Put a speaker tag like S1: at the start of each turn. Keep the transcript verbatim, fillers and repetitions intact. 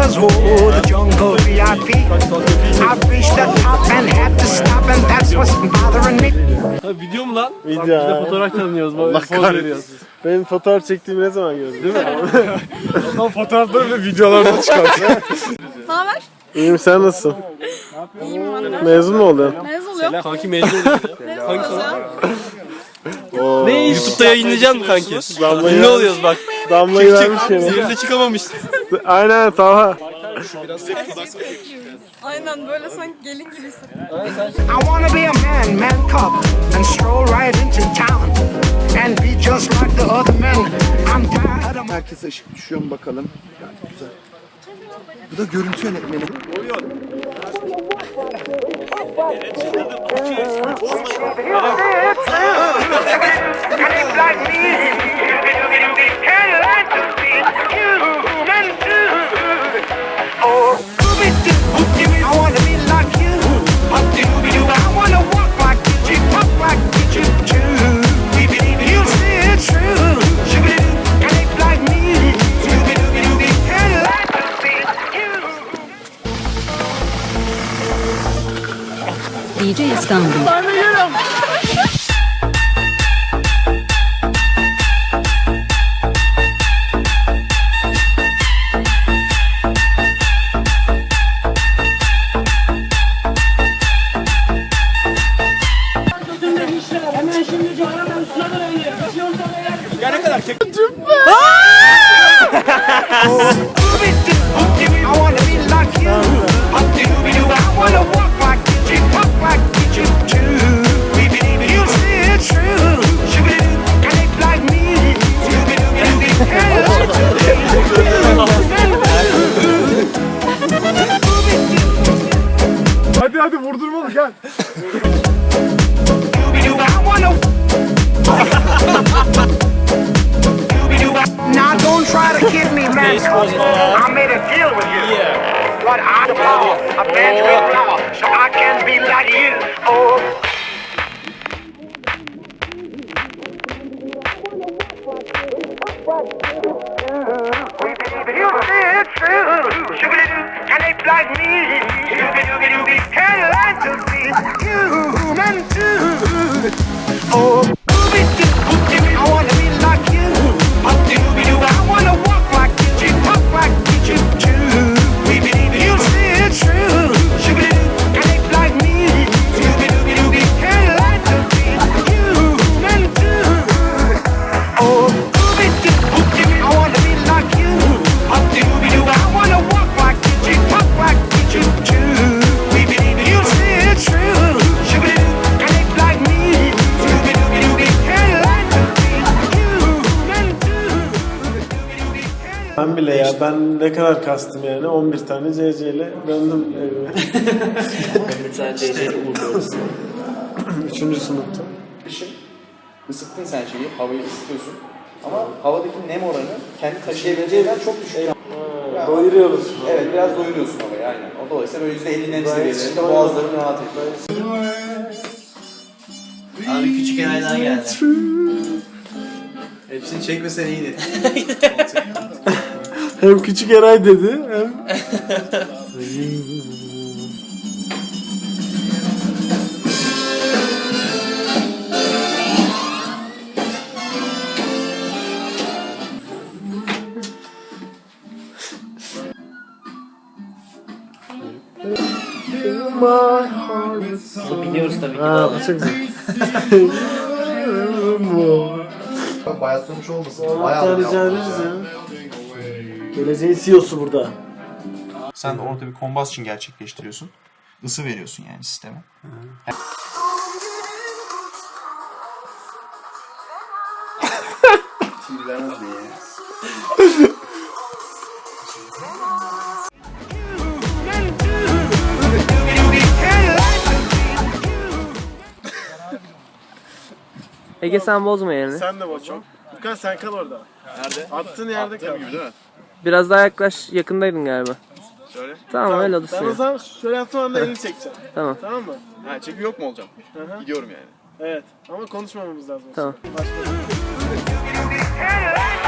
S1: was oh the jungle V I P. I reached the top and had to stop and that's what's bothering me.
S2: Ha, video mu lan?
S3: Video.
S2: Bak, biz de fotoğraf tanıyoruz.
S3: Allah
S2: Poz veriyoruz.
S3: Benim fotoğraf çektiğimi ne zaman gördün değil mi?
S4: Lan fotoğrafları ve videolarda çıkarsın.
S5: Ne haber?
S3: İyiyim, sen nasılsın?
S5: İyiyim valla.
S3: Mezun mu oldun?
S5: Mezun oluyorum.
S2: Kanki mezun oluyor.
S5: Mezun oluyorum.
S3: Oo.
S2: Ne YouTube'da yayınlayacaksın mı kanki?
S3: Damlayı
S2: Ne oluyoruz bak.
S3: Damlayı vermiş yani.
S2: Zehirde çıkamamış.
S3: Aynen Talha.
S5: Aynen böyle sanki gelin gibisin.
S1: I wanna be a man, man cub, and stroll right into town and be just like the other men. I'm tired of
S6: Herkese ışık düşüyor mu bakalım. Gayet güzel. Bu da görüntü yönetmeni.
S7: D J İstanbul.
S8: Hemen şimdi Canan üstüne dönelim.
S2: Ya ne kadar tek...
S4: Hadi hadi vurdurmalı gel.
S1: Now don't try to kid me, man. I made a deal with you. What I call a Benjamin flower, so I can be like you. Oh. You say it's true. Shoo-ba-doo, can they like me? Shoo-ba-doo-ba-doo, can you like to be human too? Oh, I wanna be like you. I wanna walk like you, talk like you too. You say it's true. Shoo-ba-doo, can they like me? Shoo-ba-doo-ba-doo, can you like to be human too? Oh, I wanna be like you. I wanna walk like you, talk like you too. You say it's true. Shoo-ba-doo, can they like me? Shoo-ba-doo-ba-doo, can you like to be human too?
S3: Ben bile ya, ben ne kadar kastım yani, on bir tane C C ile döndüm evime.
S9: Bir tane C C'yle uğurluyoruz.
S3: Üçüncü sınıfta.
S9: Isıttın sen şeyi, havayı ısıtıyorsun. Ama havadaki nem oranı kendi taşıyabileceğinden çok düşük.
S3: Ha, doyuruyoruz.
S9: Evet, biraz doyuruyorsun havayı aynen. O dolayısıyla böyle yüzde elli nem seviyelerinde boğazların rahat ediyor.
S10: Abi küçük Eray'dan geldi.
S9: Hepsini çekmesen iyiydi.
S3: Hem küçük Eray dedi hem...
S10: Biliyoruz tabii ki.
S3: Ha, bu çok güzel.
S6: Bayatlamış olmasın.
S3: Hatta rica ederiz ya. Geleceğin C E O'su burada.
S11: Sen orada bir combustion gerçekleştiriyorsun. Isı veriyorsun yani sisteme.
S9: Sinirlenmez diye.
S2: Ege sen bozma yerini.
S3: Sen de boçum. Lukan sen kal orada.
S11: Nerede?
S3: Attığın yerde kal.
S11: Gibi değil mi?
S2: Biraz daha yaklaş, yakındaydın galiba.
S11: Şöyle.
S2: Tamam, öyle oldu.
S3: Ben o zaman şöyle yaptığım anda elini çekeceğim.
S2: Tamam.
S3: Tamam mı?
S11: Ha, çekim yok mu olacağım?
S3: Hı hı.
S11: Gidiyorum yani.
S3: Evet. Ama konuşmamamız lazım.
S2: Tamam.
S3: Başka.